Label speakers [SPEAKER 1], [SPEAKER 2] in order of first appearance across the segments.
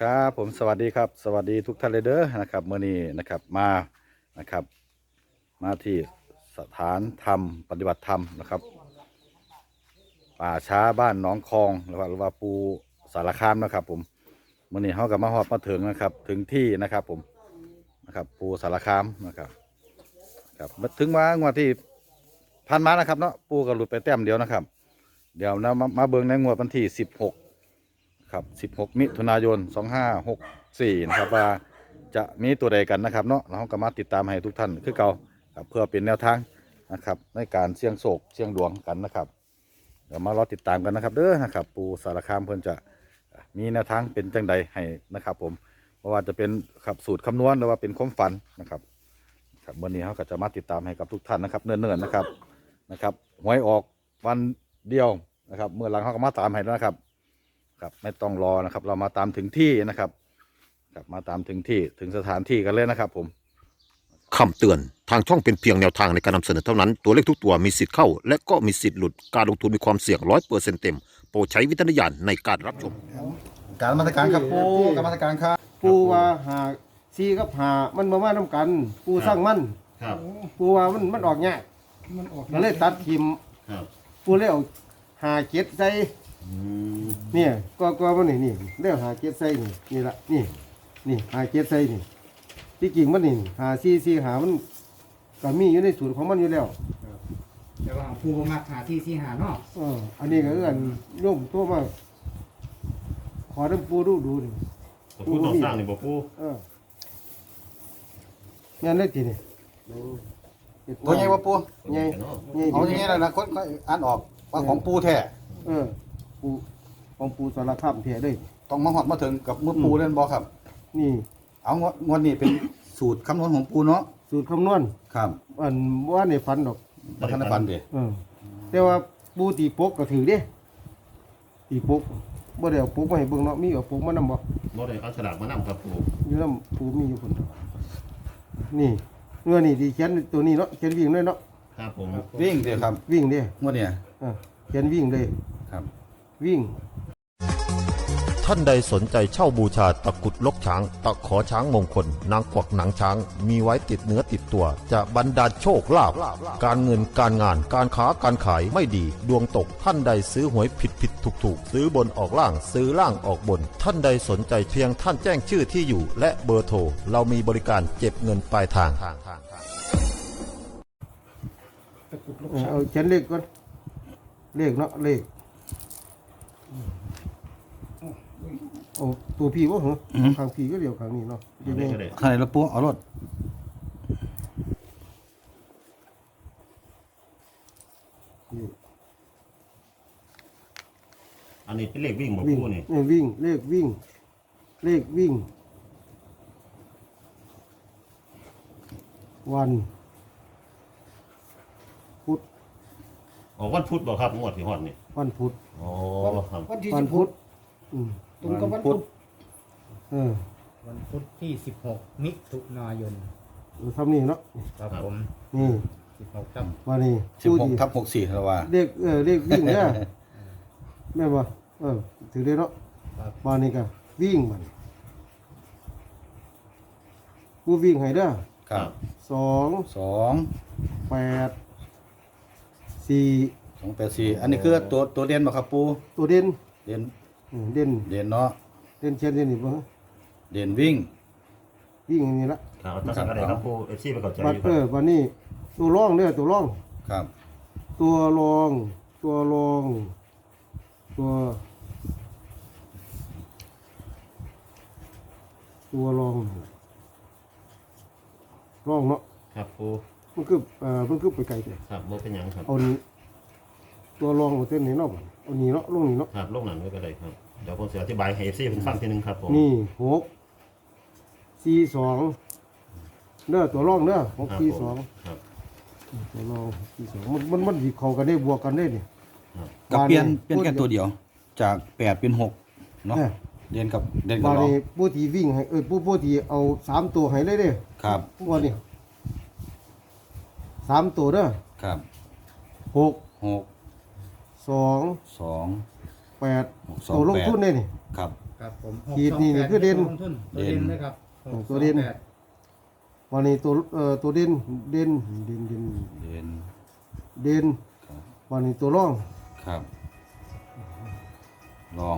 [SPEAKER 1] ครับผมสวัสดีครับสวัสดีทุกท่านเลยเด้อนะครับเมื่อนี้นะครับมานะครับมาที่สถานธรรมปฏิบัติธรรมนะครับป่าช้าบ้านหนองคองหรือว่าปูสารคามนะครับผมเมื่อนี้เขากับมาฮอดมาถึงนะครับถึงที่นะครับผมนะครับปูสารคามนะครับมาถึงว่างวดที่ผ่านมานะครับเนาะปูก็หลุดไปแต้มเดียวนะครับเดี๋ยวนะมาเบิ่งในงวดวันที่16ครับ16มิถุนายน2564นะครับว่าจะมีตัวใดกันนะครับเนาะเราก็มาติดตามให้ทุกท่านคือเก่าครับเพื่อเป็นแนวทางนะครับในการเสี่ยงโศกเสี่ยงดวงกันนะครับเดี๋ยวมารอติดตามกันนะครับเด้อนะครับปูสารคามเพิ่นจะมีแนวทางเป็นจังใดให้นะครับผมเพราะว่าจะเป็นขับสูตรคำนวณหรือว่าเป็นความฝันนะครับครับวันนี้เขาก็จะมาติดตามให้กับทุกท่านนะครับเนิ่นๆนะครับหวยออกวันเดียวนะครับเมื่อหลังเขาก็มาตามให้แล้วนะครับครับไม่ต้องรอนะครับเรามาตามถึงที่นะครับครับมาตามถึงที่ถึงสถานที่กันเลยนะครับผม
[SPEAKER 2] คำเตือนทางช่องเป็นเพียงแนวทางในการนำเสนอเท่านั้นตัวเลขทุกตัวมีสิทธิ์เข้าและก็มีสิทธิ์หลุดการลงทุนมีความเสี่ยง100%เต็มโปรดใช้วิจารณญาณในการรับชม
[SPEAKER 1] การมาตรการครับปูการมาตรการครับ
[SPEAKER 3] ปูว่าหาซีกับหามันมาน้ำกัน ปูสร้างมัน
[SPEAKER 4] ครับ
[SPEAKER 3] ปูว่ามันออกง่ายก็เลยตัดทิม
[SPEAKER 4] ครับ
[SPEAKER 3] ปูเลยเอาหาเจ็ดใส่เนี่ยก็มันนี่เรียกหาเจ็ดใส่นี่ละนี่หาเจ็ดใส่นี่ที่จริงมันนี่หาซีหามันก็มีอยู่ในสูตรของมันอยู่แล้ว
[SPEAKER 5] แต่ว่าปูมาหาที่สี่หาเนาะ
[SPEAKER 3] อันนี้ก็เอื้อนโยมตัวมาขอน้ำปูดูนี่
[SPEAKER 4] พูดต้องสร้างนี่บ่ปู
[SPEAKER 3] งานได้ทีนี่
[SPEAKER 1] ตัวใหญ่ว่าปู
[SPEAKER 3] ไงไง
[SPEAKER 1] เอาอย่างนี้เลยนะคนก็อ่านออกว่าของปูแท้
[SPEAKER 3] ปูของปูสารคามแท้เลย
[SPEAKER 1] ต้องมาหอดมาถึงกับมือปูเล่นบอครับ
[SPEAKER 3] นี่
[SPEAKER 1] เอางวดนี้เป็นสูตรคำนวณของปูเนาะ
[SPEAKER 3] สูตรคำนวณ
[SPEAKER 1] ครับ
[SPEAKER 3] อันว่าในฝันดอก
[SPEAKER 1] บัฒนฟันเด้
[SPEAKER 3] แต่ว่าปูตีปกก็ถือเด้ตีปกบ่ได้เอาปกมาให้เบิ่งเนาะมีเอาปกมานำบ่
[SPEAKER 4] บ่ได้เอาฉลากมานำครับปู
[SPEAKER 3] อยู่นำปูมีอยู่พุ่นนี่เงื่อนี่ที่เขียนตัวนี้เนาะเขียนวิ่งเลยเนาะ
[SPEAKER 4] ครับผม
[SPEAKER 1] วิ่งเด้ครับ
[SPEAKER 3] วิ่งเด้
[SPEAKER 1] งวดเนี้ย
[SPEAKER 3] เขียนวิ่งเลย
[SPEAKER 1] ครับ
[SPEAKER 3] วิ่ง
[SPEAKER 2] ท่านใดสนใจเช่าบูชาตะกรุดลกช้างตะขอช้างมงคลนางกวักหนังช้างมีไว้ติดเนื้อติดตัวจะบรรดาลโชคลาภการเงินการงานการค้าการขายไม่ดีดวงตกท่านใดซื้อหวยผิดถูกซื้อบนออกล่างซื้อล่างออกบน ท่านใดสนใจเพียงท่านแจ้งชื่อที่อยู่และเบอร์โทรเรามีบริการเก็บเงินปลายทาง
[SPEAKER 3] เอาเขียนเลขก่อนเลขเนาะเลขเอาตัวพี่บ่เหรอข้างพี่ก็เดียวข้างนี้เนาะ
[SPEAKER 4] อันนี้ก็ได้
[SPEAKER 1] ข้างในละปูเอารถ
[SPEAKER 3] นี่
[SPEAKER 4] อันนี้เป็นเลขวิ่งบ่
[SPEAKER 3] วิ่ง
[SPEAKER 4] ปูนี่
[SPEAKER 3] วิ่งเลขวิ่งเลขวิ่งวันพุธ
[SPEAKER 4] ออกวันพุธบ่ครับงวดที่ฮอดนี่
[SPEAKER 3] วันพุธ
[SPEAKER 4] อ๋อครับ
[SPEAKER 5] วันที่
[SPEAKER 3] วั
[SPEAKER 5] สิ
[SPEAKER 3] น
[SPEAKER 5] บห
[SPEAKER 3] พุ
[SPEAKER 5] ก
[SPEAKER 3] ธอืม
[SPEAKER 5] ตรงกับวันพุธ
[SPEAKER 3] เออ
[SPEAKER 5] วันพุธที่16มิถุนายน
[SPEAKER 3] ทำนี่เนาะ
[SPEAKER 5] ครับผม
[SPEAKER 3] นี่
[SPEAKER 5] 16ครับ
[SPEAKER 3] วันนี้
[SPEAKER 1] 16/64แล้วว่า
[SPEAKER 3] เลขเลขวิ่งเนี่ยแม่นบ่ถือได้เนาะวันนี้ก็วิ่งมันกูวิ่งให้เด้อ
[SPEAKER 1] ครับ
[SPEAKER 3] 2
[SPEAKER 1] 2
[SPEAKER 3] 8 4
[SPEAKER 1] 284อันนี้คือตัวเด่นบ่ครับปู
[SPEAKER 3] ตัวเด่น
[SPEAKER 1] เด่น
[SPEAKER 3] เด่น
[SPEAKER 1] เด่นเนาะ
[SPEAKER 3] เด่นเชียนเด่นนี่บ่ฮะ
[SPEAKER 1] เด่นวิ่ง
[SPEAKER 3] วิ่งอันนี้ละ
[SPEAKER 4] ครับจังซั่นก็ได้ครับปู FC ไปเข้าใจ
[SPEAKER 3] บัด
[SPEAKER 4] อยู่ครับ
[SPEAKER 3] วันนี้ตัวร่องเด้อตัวร่อง
[SPEAKER 1] ครับ
[SPEAKER 3] ตัวรองตัวรองตัวรองร่องเนาะ
[SPEAKER 4] ครับปู
[SPEAKER 3] มันคือไปไกลแต่
[SPEAKER 4] ครับบ่เป็นหยังครับ
[SPEAKER 3] เอานี้ตัวรองเอาเต้นนี้เนาะบัดเอานี้เนาะลงนี้เนาะ
[SPEAKER 4] ครับลงนั้นไว้ก็ได้ครับเดี๋ยวผมสิอธิบายให้ FC เพิ่นฟังทีนึงครับผม
[SPEAKER 3] นี่6 4 2เด้อตัวรองเด้อ
[SPEAKER 4] ครับ
[SPEAKER 3] 6
[SPEAKER 4] ผม
[SPEAKER 3] 4 2
[SPEAKER 4] ครับ
[SPEAKER 3] ตัวรอง4 2มันสิเข้ากันได้บวกกันได้นี่
[SPEAKER 1] ก็เปลี่ยนแค่ตัวเดียว จาก8เป็น6เนาะเด่นกับร
[SPEAKER 3] บา
[SPEAKER 1] อง
[SPEAKER 3] นี้ผู้ที่วิ่งให้ผู้ที่เอา3ตัวให้เลยเด้อ
[SPEAKER 1] ครับ
[SPEAKER 3] ว่านี่3ตัวเด้อ
[SPEAKER 1] ครับ
[SPEAKER 3] 6
[SPEAKER 1] 6
[SPEAKER 3] 2
[SPEAKER 1] 2
[SPEAKER 3] 8
[SPEAKER 1] 2
[SPEAKER 3] ตัวลงทุนได้นี่
[SPEAKER 1] ครับ
[SPEAKER 3] 8
[SPEAKER 5] ครับผม
[SPEAKER 3] ขีดนี่คือเด่น
[SPEAKER 5] ลงทุนตัวเด่นเลยครับ
[SPEAKER 3] ตัวเด่น
[SPEAKER 5] 628
[SPEAKER 3] วันนี้ตัวเด่น
[SPEAKER 1] เด่น
[SPEAKER 3] วันนี้ตัวร่อง
[SPEAKER 1] ครับ ลอง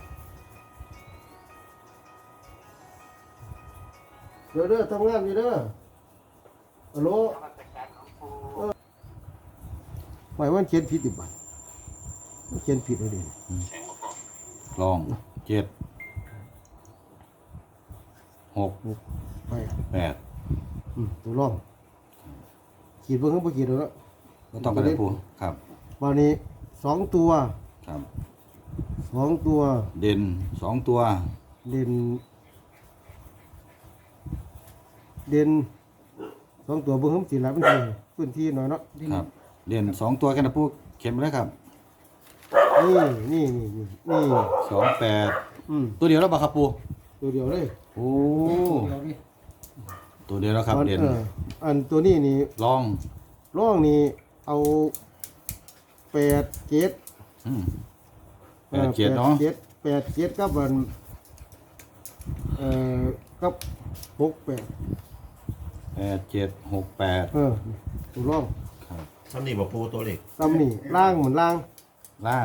[SPEAKER 3] เด้อทำงานอยู่เด้อฮัลโหลหมายว่าเขียนผิดดิบัตเขียนผิดเลยดิ
[SPEAKER 1] ลอง7 6
[SPEAKER 3] ไป
[SPEAKER 1] 8
[SPEAKER 3] ตัวร่องขีดเบิ่งข้างบนขีดแล้ว
[SPEAKER 1] ก็ต้องกระดาษปูครับ
[SPEAKER 3] วันนี้2 ตัว
[SPEAKER 1] ครับ
[SPEAKER 3] 2 ตัว
[SPEAKER 1] เด่น2 ตัว
[SPEAKER 3] เด่น2 ตัวเบิ่งข้างสีหลายพื้นที่หน่อยเนาะ
[SPEAKER 1] ครับ เด่น2 ตัวแค่นั้นปูเข็มไปเลยครับ
[SPEAKER 3] นี่
[SPEAKER 1] 28ตัวเดียวแล้วบ่ครับปู
[SPEAKER 3] ตัวเดียวเลย
[SPEAKER 1] โอ้
[SPEAKER 5] เดี๋ยวดิ
[SPEAKER 1] ตัวเดียวแล้วครับเด่น
[SPEAKER 3] อันตัวนี้นี่
[SPEAKER 1] ลอง
[SPEAKER 3] ร่องนี่เอา8 7
[SPEAKER 1] 8 7เนาะ
[SPEAKER 3] 8 7กับอันกับ6 8
[SPEAKER 1] 8 7 6 8
[SPEAKER 3] ตัวร่อง
[SPEAKER 1] ครับ
[SPEAKER 4] ซ้ำนี่บอกปูตัวเล็ก
[SPEAKER 3] ซ้ำนี่ล่างเหมือนล่าง
[SPEAKER 1] ล่าง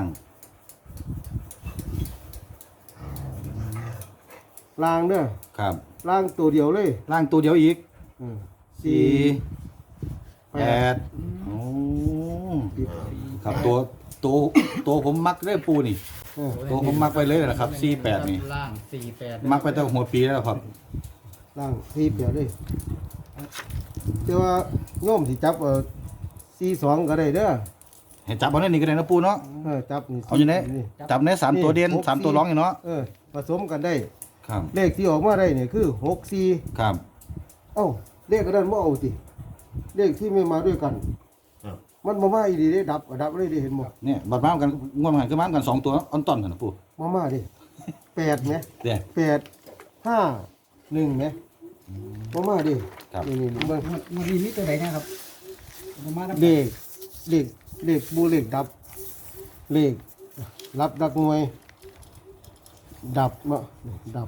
[SPEAKER 3] ล่างเด้อ
[SPEAKER 1] ครับ
[SPEAKER 3] ล่างตัวเดียวเลย
[SPEAKER 1] ล่างตัวเดียวอีก
[SPEAKER 3] สี่
[SPEAKER 1] 4 8โอ้ครับตัวผมมักเรื่อยปูนี่ ตัวผมมักไปเลยนะครับ48นี่
[SPEAKER 5] ล่าง48
[SPEAKER 1] มักไปตั้งหัวปีแล้วครับ
[SPEAKER 3] ล่างสี่เปียเลยแต่ว่าโยมที่จับ42ก็ได้เด้อ
[SPEAKER 1] เห็นจับเอาในนี่ก็ได้นะปูเนาะ
[SPEAKER 3] จับนี่
[SPEAKER 1] เอาอยู่ไหนจับใน3ตัวเด่น3ตัวร้องอยู่เนาะ
[SPEAKER 3] ผสมกันได้
[SPEAKER 1] ครับ
[SPEAKER 3] เลขที่ออกมาได้เนี่ยคือ64
[SPEAKER 1] ครับ
[SPEAKER 3] เอ้าเลขกระนั้นบ่เอาติเลขที่ไม่มาด้วยกัน
[SPEAKER 4] ครับ
[SPEAKER 3] มันบ่มาอีดีเด้ดับเลยเด้เห็นบ่
[SPEAKER 1] เนี่ยบัดมากันง่วงกันคือมากัน2ตัวออนต้นกันนะปู
[SPEAKER 3] มาดิ8แหม
[SPEAKER 1] เด้
[SPEAKER 3] 8 5 1แหมมาดิ
[SPEAKER 1] ครับ
[SPEAKER 3] นี่เบิ่ง
[SPEAKER 5] มันมีตัวไหนนะครับประมาณนั้น
[SPEAKER 3] เลขบูเลขดับ เลขรับดักหน่วย ดับเนาะดับ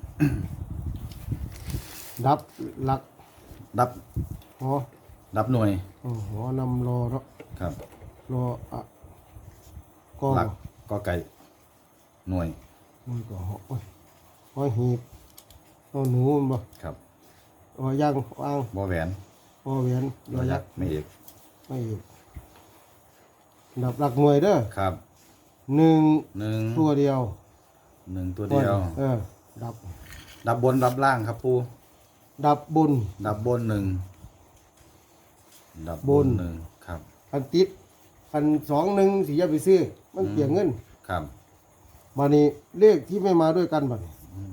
[SPEAKER 3] ดับหลัก
[SPEAKER 1] ดับ
[SPEAKER 3] หอ
[SPEAKER 1] ดับหน่วย
[SPEAKER 3] หอนำรอเนาะ
[SPEAKER 1] ครับ
[SPEAKER 3] รออะก็
[SPEAKER 1] หลักก็ไก่หน่วย
[SPEAKER 3] มันก็หอโอ้ยหอหีบหอหนูมันบ่
[SPEAKER 1] ครับ
[SPEAKER 3] หอย่างวาง
[SPEAKER 1] บ่แหวน
[SPEAKER 3] หอเหวียน
[SPEAKER 1] บ่ยักษ์ไม่เอก
[SPEAKER 3] ไม่อยู่ดับหลักหน่วยเด้อ
[SPEAKER 1] ครับ
[SPEAKER 3] 1 ตัวเดียว
[SPEAKER 1] 1ตัวเดียว
[SPEAKER 3] ดับ
[SPEAKER 1] ดับบนดับล่างครับปู
[SPEAKER 3] ดับบน
[SPEAKER 1] ดับบน1ดับบน1ครับ
[SPEAKER 3] อันติดอัน2 1สิอย่าไปซื้อมันเกี่ยงเงิน
[SPEAKER 1] ครับ
[SPEAKER 3] บัดนี้เลขที่ไม่มาด้วยกันบัดนี้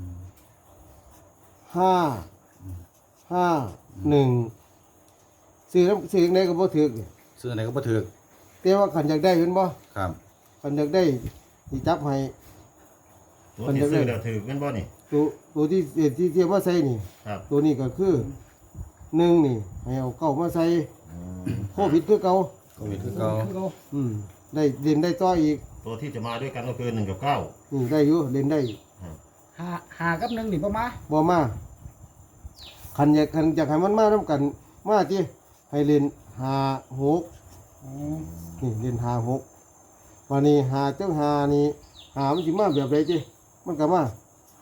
[SPEAKER 3] 5 1ซื้อไหนก็บ่ถูก
[SPEAKER 1] ซื้อไหนก็บ่ถูก
[SPEAKER 3] แต่ว่าขันอยากได้เห็นบ่
[SPEAKER 1] ครับ
[SPEAKER 3] ขันอยากได้สิจับให้
[SPEAKER 4] ตัวที่ซื้อแล้วถือกันบ่นี่
[SPEAKER 3] ตัวที่เทียบมาใส่นี่
[SPEAKER 4] ครับ
[SPEAKER 3] ตัวนี้ก็คือ1นี่ให้เอาเก้ามาใส่โควิดคือเก่า
[SPEAKER 1] โควิดคือเก่า
[SPEAKER 3] ได้เล่นได้ต่ออีก
[SPEAKER 4] ตัวที่จะมาด้วยกันก็คือ1 กับ 9
[SPEAKER 3] นี่ได้อยู่เล่นได้
[SPEAKER 5] หากับ1นี่บ่มา
[SPEAKER 3] บ่มาขันอยากให้มันมานํกันมาติให้เล่น5 6 นี่เล่น5 6วันนี้5จัง5นี่5มันสิมาแบบใดจิมันก็มา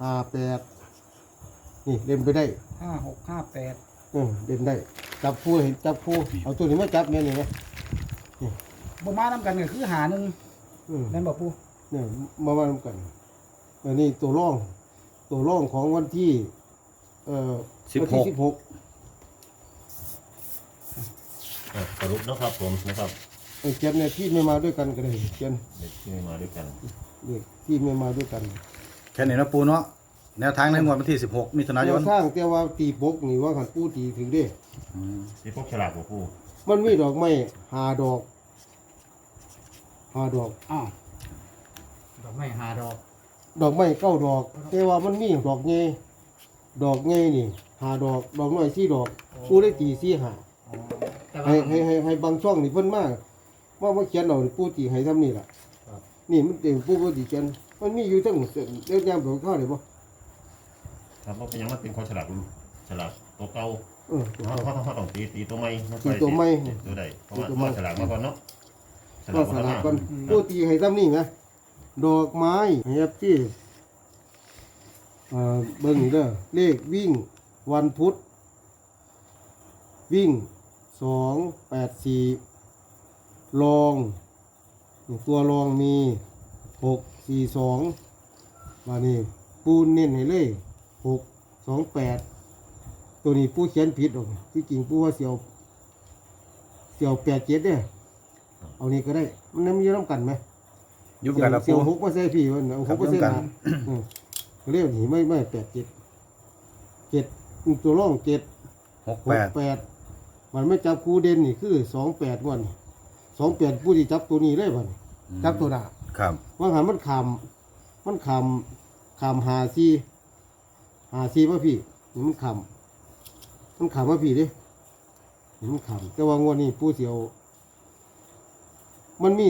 [SPEAKER 3] 5 8นี่เล่นไปได้
[SPEAKER 5] 5658
[SPEAKER 3] เล่นได้จับผู้เห็นจับผู้เอาตัวนี้มาจับเนี่ยนี่ไง
[SPEAKER 5] บ่มานำกันก็คือหาหนึ่ง แม่นบ่ปู่
[SPEAKER 3] เนี่ยมาทำกันอันนี้ตัวร่องของวันที่วันที่16
[SPEAKER 4] สรุปนะครับผมนะครับ
[SPEAKER 3] เขียนเนี่ยที่ไม่มาด้วยกันก็ได้เขียน
[SPEAKER 4] เด็กที่มาด้วยกัน
[SPEAKER 3] เด็กที่ไม่มาด้วยกัน
[SPEAKER 1] แค่นี้นะปูเนาะแนวทางในงวดวันที่16มิถุนายน
[SPEAKER 3] สร้างแต่ว่าตีปกนี่ว่าขันปูตีถึงเด้
[SPEAKER 4] ที่พวกฉลาดของปู
[SPEAKER 3] มันมีดอกไม้5 ดอก5 ดอก
[SPEAKER 5] อ้าวดอกไม้หาดอก
[SPEAKER 3] ดอกไม้9 ดอก แต่ว่ามันมีดอกใหญ่นี่5 ดอกดอกน้อย4 ดอกปูได้ตี4 5
[SPEAKER 5] แต่ว่า
[SPEAKER 3] ให้บางช่องนี่เพิ่นมาเขียนเอานี่ปูตีให้ทำนี่ล่ะนี่มันเต็มปูบ่ตีเขียนมันมีอยู่ทั้งเรื่องยามของข้าวเลยบ่
[SPEAKER 4] ครับเพราะเป็นหยังมันเป็นของฉลากตัวเก่า
[SPEAKER 3] ตัว
[SPEAKER 4] เขา
[SPEAKER 3] ข้าว
[SPEAKER 4] ต้องตีตัวใหม่
[SPEAKER 3] ตีตัวใหม่
[SPEAKER 4] ตัวใดเพราะว่าฉลากมาก่อนเนาะฉ
[SPEAKER 3] ก็
[SPEAKER 4] ลาก
[SPEAKER 3] ส
[SPEAKER 4] มา
[SPEAKER 3] ลับ
[SPEAKER 4] ก่
[SPEAKER 3] กั
[SPEAKER 4] อน น
[SPEAKER 3] ผู้ตีให้ซ้ำนี่นะดอกไม้เฮียที่เบิ่งนี่เด้อเลขวิ่งวันพุธวิ่ง284รองตัวรองมี642มานี่ปูเน้นให้เลย628ตัวนี้ปูเขียนผิดหรอกที่จริงปูว่าเสียว87เนี่ยเอานี่ก็ได้มันมีน้ำกันไหม
[SPEAKER 1] ยุบกันละ
[SPEAKER 3] เสีย
[SPEAKER 1] ปู
[SPEAKER 3] ว6มาใส่พี่มันเอา6มาใส่หนาเรียกนี่ไม่87ตัวร่อง768มันไม่จับคู่เด่นนี่คือ28วัน28ผู้ที่จับตัวนี้เลยวันจับตัวหน้า
[SPEAKER 1] ครับ
[SPEAKER 3] ว่าหันมันขำหาซีมาพี่นี่มันขำมาพี่ดินี่มันขำแต่ว่างวดนี้ผู้เสียวมันมี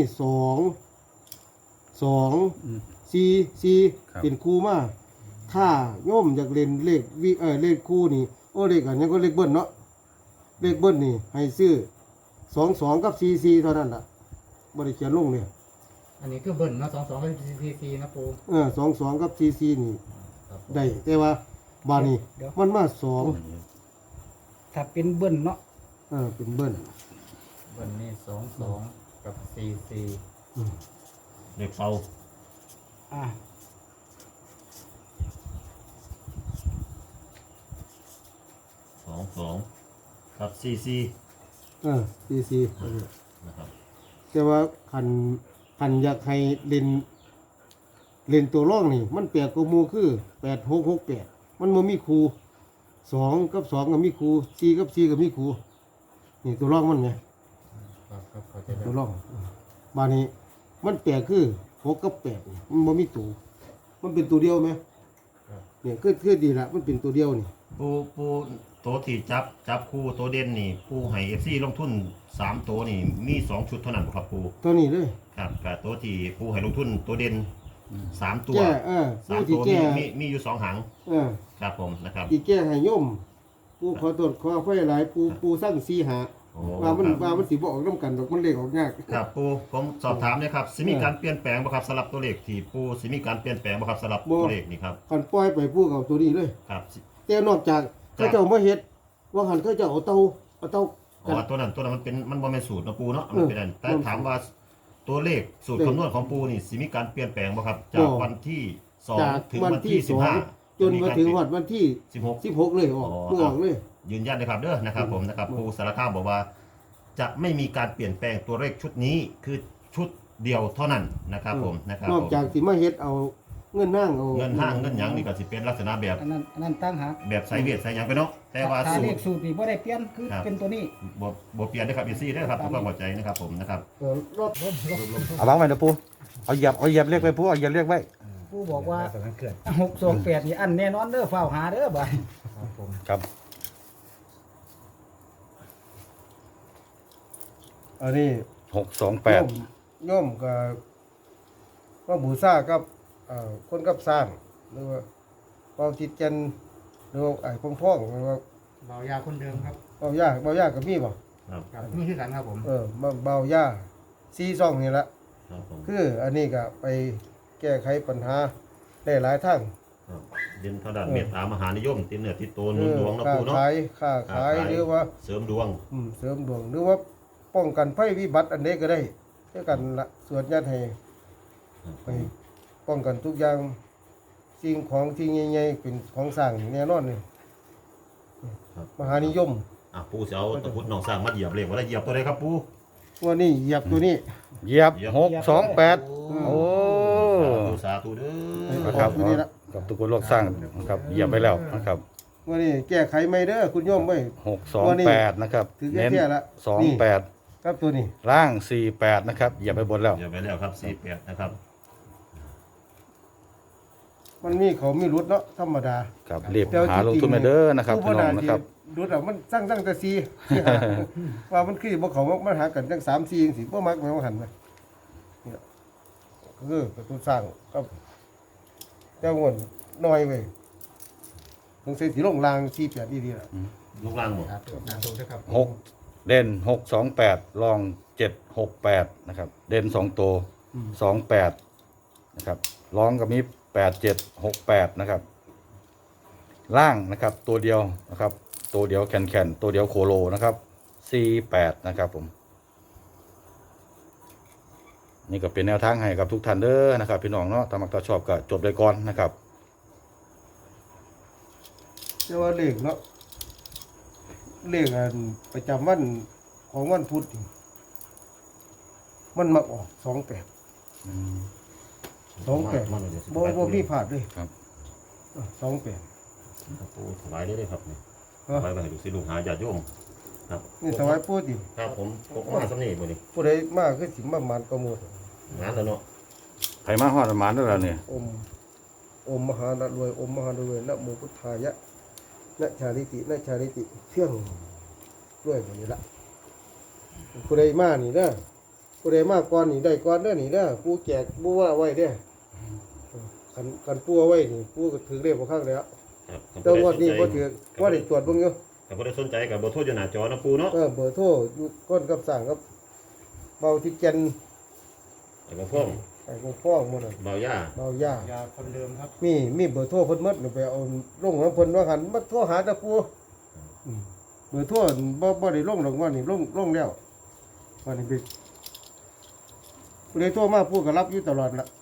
[SPEAKER 3] 4เป็นคู่มาถ้าโยมอยากเล่นเลขเลขคู่นี่โอ้เลขอันนี้ก็เลขเบิ้ลเนาะเลขเบิ้ลนี่ให้ซื้อ22กับ44เท่านั้นล่ะบ่ได้เขียนลงเลย
[SPEAKER 5] อันนี้คือเบิ่นเนาะ22กับ44นะปู
[SPEAKER 3] 22กับ44นี่ได้แต่ว่าบาดนี้
[SPEAKER 5] เดี๋ยว
[SPEAKER 3] มันมา
[SPEAKER 5] ถ้าเป็นเบิ่นเนาะ
[SPEAKER 3] เป็นเบิ้ล
[SPEAKER 5] เบิ่นนี่22กับ44
[SPEAKER 4] เด็กเฝ้า
[SPEAKER 5] อ่ะ
[SPEAKER 4] 22ครับ44
[SPEAKER 3] 44
[SPEAKER 4] นะครับ
[SPEAKER 3] แต่ว่าคันอยากให้เล่นตัวร่องนี่มันแปลกกว่าหมู่คือ8668มันบ่มีครู2กับ2ก็มีครู4กับ4ก็มีครูนี่ตัวร่องมันไง
[SPEAKER 5] ครับเข้าใจแล้
[SPEAKER 3] ตัว
[SPEAKER 5] ว
[SPEAKER 3] ร่องบาดนี้มันแปลกคือ6กับ8นี่มันบ่มีตัวมันเป็นตัวเดียวไหมเนี่ยคือดีละมันเป็นตัวเดียวนี่
[SPEAKER 4] ปูตัวที่จับคู่ตัวเด่นนี่ปูให้ FC ลงทุน3ตัวนี่มี2ชุดเท่านั้นบ่ครับปู
[SPEAKER 3] ตัวนี้เลย
[SPEAKER 4] ครับกับตัวที่ปูให้ลงทุนตัวเด่น3ตัว
[SPEAKER 3] แก้ผู้
[SPEAKER 4] 3
[SPEAKER 3] ที่
[SPEAKER 4] ตัว
[SPEAKER 3] แก้
[SPEAKER 4] มีอยู่2หาง ครับผมนะครับ
[SPEAKER 3] ที่แก้ให้โยมปูขอตรวจขอไฟหลายปูสร้าง4หา
[SPEAKER 4] โอ้
[SPEAKER 3] ว่ามัน
[SPEAKER 4] ครับ
[SPEAKER 3] ว่ามันสิบ่ออกนํกันดอกมันเลขออกยาก
[SPEAKER 4] ครับปูผมสอบถามนะครับสิมีการเปลี่ยนแปลงบ่ครับสำหรับตัวเลขที่ปูสิมีการเปลี่ยนแปลงบ่ครับสำหรับตัวเลขนี่ครับ
[SPEAKER 3] คันปล่อยไปปูกับตัวนี้เลย
[SPEAKER 4] ครับ
[SPEAKER 3] แต่นอกจากเขาเจ้ามาเฮ็ดว่าหันเขาเจ้าเอาเตา
[SPEAKER 4] อ๋อตัวนั้นมันบ่แม่นสูตรเนาะปูเนาะมันเป็นอันแต่ถามว่าตัวเลขสูตรคำนวณของปูนี่สิมีการเปลี่ยนแปลงบ่ครับจากวันที่
[SPEAKER 3] จาก
[SPEAKER 4] 2ถึง
[SPEAKER 3] วัน
[SPEAKER 4] วัน
[SPEAKER 3] ที่
[SPEAKER 4] ที่
[SPEAKER 3] 2จนมาถึงวันที่
[SPEAKER 4] 15
[SPEAKER 3] 16เลยออกเมื่อออกเลย
[SPEAKER 4] ยืนยันนะครับเด้อนะครับผมนะครับครูสารคามบอกว่า จะไม่มีการเปลี่ยนแปลงตัวเลขชุดนี้คือชุดเดียวเท่านั้นนะครับผมนะครับ
[SPEAKER 3] นอกจากสิมาเฮ็ดเอาเงินห้างเอา
[SPEAKER 4] เงินห้างเงินหยังนี่ก็สิเป็นลักษณะแบบ
[SPEAKER 5] อันนั้นตั้งหาก
[SPEAKER 4] แบบใส่เวียดใส่หยังไปเนาะแต่ว่า
[SPEAKER 5] ถ้า
[SPEAKER 4] สู
[SPEAKER 5] เล
[SPEAKER 4] ต
[SPEAKER 5] ข
[SPEAKER 4] ร
[SPEAKER 5] สูตรนี่บ่ได้เปลี่ยนคือ
[SPEAKER 4] ครับ
[SPEAKER 5] เป็นตัวนี้
[SPEAKER 4] บ่เปลี่ยนนะครับอีซี่เด้อครับทุกความเข้าใจนะครับผมนะครับ
[SPEAKER 3] รถ
[SPEAKER 1] เอาวางไว้นะปูเอาเหยียบเรียกไว้ปูเอาเหยียบเรียกไว้
[SPEAKER 5] ผู้บอกว่า628นี่อันแน่นอนเด้อเฝ้าหาเด้อบ่ายครับผม
[SPEAKER 1] ครับ
[SPEAKER 3] อันนี้
[SPEAKER 1] 628
[SPEAKER 3] โยมก็บูชากับคนกับสร้างหรือว่าเป่าจิตจันทร์หรือว่าไอ้พ่องหรือว่า
[SPEAKER 5] เบายาคนเดิมครับ
[SPEAKER 3] เป่ายากับมีบ่
[SPEAKER 5] ครับนี่คือกันครับผม
[SPEAKER 3] เบายา4-2นี่ละ
[SPEAKER 4] ครับผม
[SPEAKER 3] คืออันนี้ก็ไปแก้ไขปัญหาได้หลายทาง
[SPEAKER 4] ครับเด่นทางด้านเมตตามหานิยมติดเนื้อติดตัวหนุนดวงนะ
[SPEAKER 3] ค้า
[SPEAKER 4] ปูเนาะ
[SPEAKER 3] ขายหรือว่า
[SPEAKER 4] เสริมดวง
[SPEAKER 3] เสริมดวงหรือว่าป้องกันภัยวิบัติอันใดก็ได้ด้วยกันละสวดญาติให้ไปป้องกันทุกอย่างสิ่งของที่ใหญ่ๆเป็นของสร้างแน่นอนเลย
[SPEAKER 4] ครับ
[SPEAKER 3] มหานิยม
[SPEAKER 4] ปูสิเอาตะพุดน้องสร้างมาเหยียบเลขว่าได้เหยียบตัวใดครับปู
[SPEAKER 3] วันนี้เหยียบตัวนี้
[SPEAKER 1] เหยียบ628โอ้
[SPEAKER 4] สาธุเด้อ
[SPEAKER 1] นะครับ
[SPEAKER 3] ตัวนี้ละ
[SPEAKER 1] กับทุกคนโลกสร้างนะครับเหยียบไปแล้วนะครับ
[SPEAKER 3] วันนี้แก้ไขไม่เด้อคุณโยมเว้ย
[SPEAKER 1] 628นะครับ
[SPEAKER 3] ถือ
[SPEAKER 1] เน้น
[SPEAKER 3] แค่ละ
[SPEAKER 1] 28
[SPEAKER 3] ครับตัวนี้
[SPEAKER 1] ล่าง48นะครับเหยียบไปบนแล้ว
[SPEAKER 4] เหยียบไปแล้วครับ48นะครับ
[SPEAKER 3] มันมีเขามีรุดเนาะธรรมดา
[SPEAKER 1] ครับรีบหาลงทุนมาเด้อนะครับพี่น้องนะครับ
[SPEAKER 3] รุดอ่ะมันสร้างแต่4 ว่ามันคือบ่เขามันหากันจัง3-4จังซี่บ่มักแม่นว่าหันไปนี่ล่ะคือประตูสร้างกับเจ้างวนน้อยเว้ยต้องใส่สีลงราง48ดีๆล่ะ
[SPEAKER 4] ลูกล่างหมด
[SPEAKER 5] ครับงานตรงด้วยครับ
[SPEAKER 1] 6เด่น628รอง768นะครับเด่น2ตัว28นะครับรองกับมี8768นะครับล่างนะครับตัวเดียวนะครับตัวเดียวแคนตัวเดียวโคโลนะครับ48นะครับผมนี่ก็เป็นแนวทางให้กับทุกท่านเด้อนะครับพี่น้องเนาะถ้ามักถ้าชอบก็จบเลยก่อนนะครับ
[SPEAKER 3] แต่ว่าเลขเนาะเลขอันประจำวันของวันพุธนี่มันมักออก28 28
[SPEAKER 4] มันเลย
[SPEAKER 3] บ่มีพลาดเลย
[SPEAKER 1] ครับ
[SPEAKER 3] 28
[SPEAKER 4] ปูถวายเลยครับนี่
[SPEAKER 3] ฮะ
[SPEAKER 4] ถวายไปให้ลูกศิษย์ลูกหาญาติโยมครับ
[SPEAKER 3] นี่ถวายปู่ติ
[SPEAKER 4] ครับผมมาสำนีมื้อนี้
[SPEAKER 3] ผู้ใดมาคือสิมาหมานกว่าหมู่
[SPEAKER 4] งานแล้วเนาะ
[SPEAKER 1] ใครมาฮอดประมาณนั้นแล้วเนี่ย
[SPEAKER 3] อมมหานะรวยอมมหารวยนะโมพุทธายะนะชาลิตินะชาลิติเพียงด้วยแบบนี้ละผู้ใดมานี่นะผู้ใดมาก่อนนี่ได้ก่อนเด้อนี่นะผู้แจกผู้ว่าไว้เด้อคันผู้เอาไว้นี่ผู้ก็ถือเรียกบ่ข้างแล้ว
[SPEAKER 4] ครับ
[SPEAKER 3] แต่งวดนี้บ่ถือว่าได้ตรวจเบิ่งอยู่
[SPEAKER 4] ถ้าบ่ได้สนใจก็บ่โทรอยู่หน้าจอนะปูเนาะ
[SPEAKER 3] เบอร์โทรอยู่ก้นกับสั่งกับเบาที่แก่น
[SPEAKER 4] แล้วก็พ่อง
[SPEAKER 3] ไอ้ของฟ้องหมดน่ะ
[SPEAKER 4] เบาย่า
[SPEAKER 3] เบาย่า
[SPEAKER 5] ยาคนเดิมครับ
[SPEAKER 3] มีเบอร์โทรเพิ่นหมดไปเอาลงของเพิ่นว่าหันมาโทรหาตะปูเบอร์โทรบ่ได้ลงหรอกว่านี่ลงแล้วว่านี่ไปผู้ใดโทรมาผู้ก็รับอยู่ตลอดละ